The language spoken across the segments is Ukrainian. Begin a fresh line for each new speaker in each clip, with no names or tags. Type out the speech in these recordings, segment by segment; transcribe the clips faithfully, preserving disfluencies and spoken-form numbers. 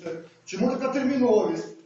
хочете? Чому така терміновість?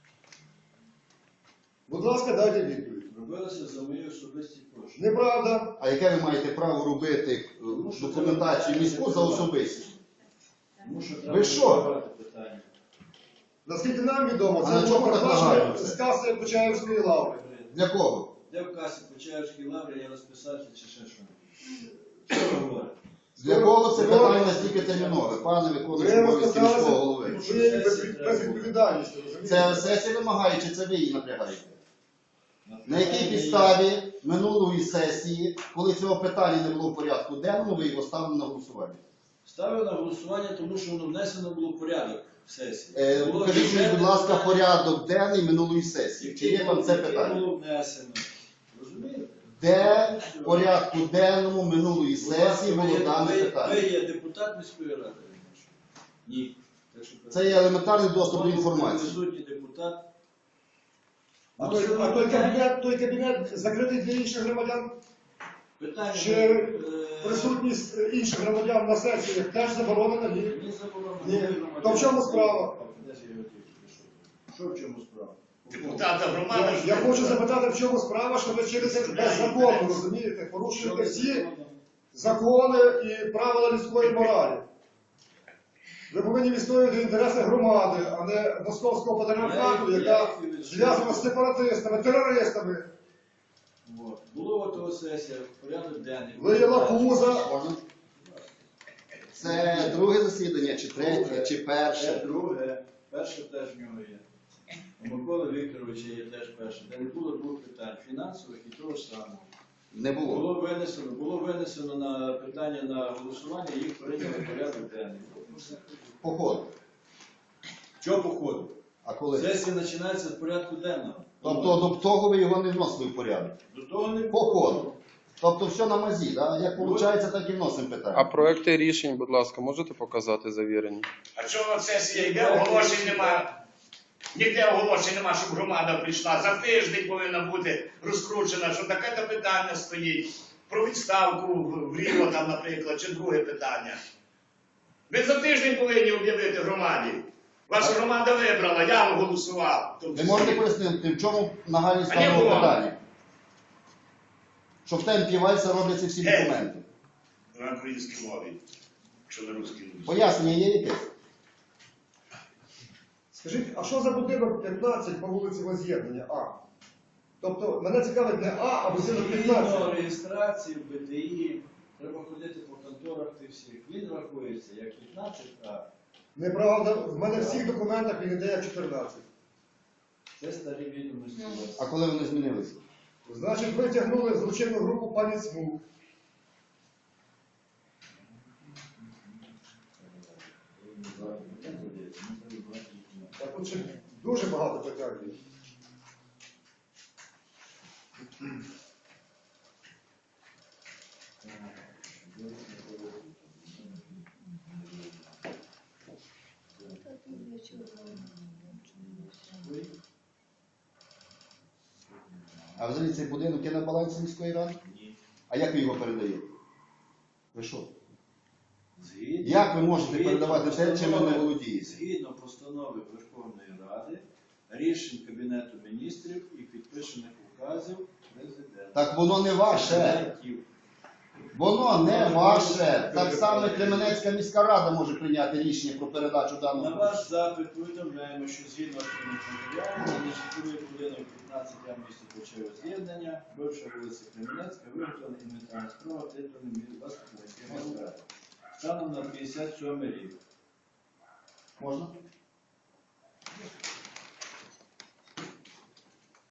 Будь ласка, дайте відповідь.
Робилося за мої особисті кошти.
Неправда.
А яке ви маєте право робити е, документацію міську за особисті?
Тому що
Ви
треба
що?
розбирати питання.
Наскільки нам відомо,
А на
це
чому
було
так
передбачено
нагадується?
з каси Почаївської лаври.
Для кого?
Де в касі Почаївській лаврі я розписався чи ще що? Що ви говорите?
Для кого це питання настільки термінове, пане виконуючий
Ви
обов'язки міського
розписалися
голови?
ви без- безвідповідальністю, розумієте?
Це сесія вимагає, чи це ви її напрягаєте? На якій підставі минулої сесії, коли цього питання не було в порядку денному, ви його ставили на голосування?
Ставив на голосування, тому що воно внесено було в порядок сесії.
Е,
Було
Покажіть мені,
бюджетне
будь ласка,
питання,
порядок денний минулої сесії. Чи є вам це
яке
питання?
було внесено. Розумієте?
Де в порядку денному минулої сесії було
Ви-
дане
ви-
питання?
Ви є депутат міської ради? Ні. Так що
Це є елементарний доступ до інформації.
Присутній депутат.
А
Ну,
той,
що
а той
ви-
кабінет, той кабінет закритий для інших громадян?
Питання
Чи
е,
присутність інших громадян на сесіях теж заборонена? Ні.
Ні, заборонено.
Ні.
Громадян.
То в чому справа?
Де ж його тільки пішов? Що в чому справа?
Депутата громади.
Я, я хочу запитати, в чому справа, що ви через беззаконно, розумієте, порушуєте всі закони і правила людської моралі. Ви повинні відстоювати інтереси громади, а не московського патріархату, яка зв'язана з сепаратистами, терористами.
От. Було того сесія, порядок денний.
Ви є лакуза.
Можна? Це друге засідання, чи третє, чи
Це
перше?
друге. Перше теж в нього є. У Миколи Вікторовича є теж перше. Де не було двох питань фінансових і того ж самого.
Не було.
Було винесено, було винесено на питання на голосування, їх прийняли в порядок денний.
По ходу.
Чого походу?
А коли?
Сесія починається з порядку денного.
Тобто до того ви його не вносили в порядок?
До того не
По ходу. Тобто все на мазі, да? Як виходить, так і вносимо
А
питання.
проекти рішень, будь ласка, можете показати завірені?
А чого сесія йде, оголошень нема? Ніде оголошень нема, щоб громада прийшла. За тиждень повинна бути розкручена, що таке-то питання стоїть. Про відставку в Ріво, там, наприклад, чи друге питання. Ви за тиждень повинні об'явити громаді. Ваша громада вибрала, я голосував.
Ви можете пояснити, в чому нагальність
А ні,
даного
було.
питання? Що в темпі вальса робляться всі
Геть.
документи.
На українській мові, якщо на русській мові.
Пояснення є якесь?
Скажіть, а що за будинок п'ятнадцять по вулиці Воз'єднання А? Тобто, мене цікавить не А, а будинок
Згідно
п'ятнадцять.
реєстрації в Б Т І, треба ходити по конторах тих всіх. Він рахується як п'ятнадцять А.
Неправда, в мене в всіх документах він іде як чотирнадцять.
Це старі відомості. у вас.
А коли вони змінилися?
Значить, витягнули злочинну групу пані Цмук. Так от ще дуже багато питань є.
А взагалі цей будинок є на балансі міської ради?
Ні.
А як ви його передаєте? Ви що?
Згідно-
Як ви можете
згідно
передавати те, чим ви не
постанови-
володієте?
Згідно постанови Верховної Ради, рішень Кабінету міністрів і підписаних указів президента.
Так воно не ваше.
Президентів.
Воно не ваше. Так само і Кременецька міська рада може прийняти рішення про передачу
На
даного.
ваш запит повідомляємо, що згідно з матеріалом, нежитловий будинок п'ятнадцять А в місті Почаєве з'єднання, бивша вулиця Кременецька, виготовлена інвентарна справа титульним від вас Кременецької міської ради. Станом на п'ятдесят сьомий рік.
Можна?